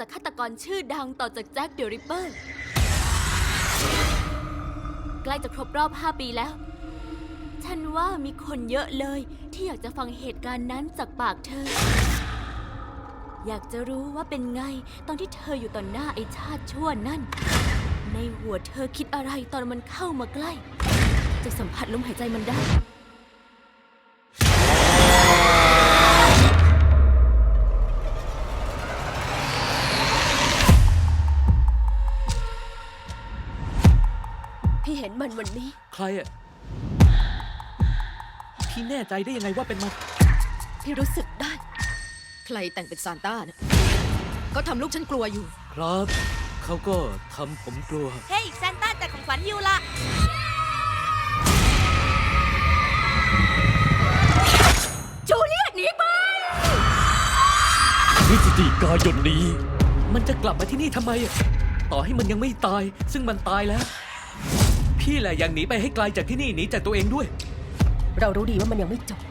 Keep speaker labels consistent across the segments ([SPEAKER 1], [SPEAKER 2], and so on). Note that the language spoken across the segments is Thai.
[SPEAKER 1] จากฆาตกรชื่อดังต่อจากแจ็คเดอะริปเปอร์ใกล้จะครบรอบ 5 ปีแล้วฉันว่ามีคนเยอะเลยที่อยากจะฟังเหตุการณ์นั้นจากปากเธออยากจะรู้ว่าเป็นไงตอนที่เธออยู่ต่อหน้าไอ้ชาติชั่วนั่นในหัวเธอคิดอะไรตอนมันเข้ามาใกล้จะสัมผัสลมหายใจมันได้พี่เห็นมันวันนี้
[SPEAKER 2] ใครอะพี่แน่ใจได้ยังไงว่าเป็นมัน
[SPEAKER 1] พี่รู้สึกได้
[SPEAKER 3] ใครแต่งเป็นซานต้านะก็ทำลูกฉันกลัวอยู่
[SPEAKER 2] ครับเขาก็ทำผมกลัว
[SPEAKER 1] เฮ้ยซานต้าจัดของขวัญอยู่ละจูเลียตหนีไป
[SPEAKER 2] พฤศจิกายนนี้มันจะกลับมาที่นี่ทำไมอะต่อให้มันยังไม่ตายซึ่งมันตายแล้วพี่แหละยังหนีไปให้ไกลจากที่นี่หนีจากตัวเองด้วย
[SPEAKER 3] เรารู้ดีว่ามันยังไม่จบ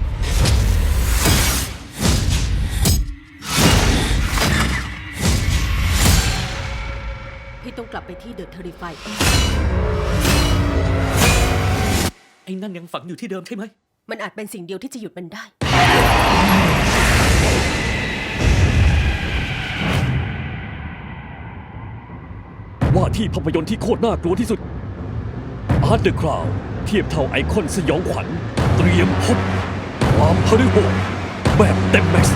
[SPEAKER 3] พี่ต้องกลับไปที่เดอะเทอริฟาย
[SPEAKER 2] ไอ้นั่นยังฝังอยู่ที่เดิมใช่ไหม
[SPEAKER 3] มันอาจเป็นสิ่งเดียวที่จะหยุดมันได้
[SPEAKER 4] ว่าที่ภาพยนตร์ที่โคตรน่ากลัวที่สุด Art the Crown เทียบเท่าไอคอนสยองขวัญเตรียมพบความฮาริโหดแบบเต็มแม็กซ์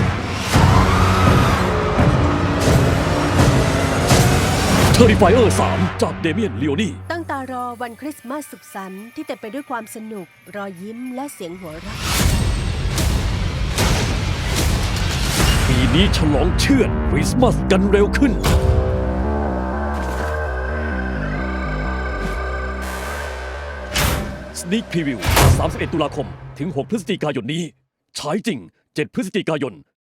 [SPEAKER 4] Terrifier 3 จากเดเมียน ลีโอนี
[SPEAKER 3] ตั้งตารอวันคริสต์มาสสุขสันต์ที่เต็มไปด้วยความสนุกรอยยิ้มและเสียงหัวเราะ
[SPEAKER 4] ปีนี้ฉลองเชื่อดคริสต์มาสกันเร็วขึ้นSneak Preview 31 ตุลาคม ถึง 6 พฤศจิกายนนี้ ฉายจริง 7 พฤศจิกายน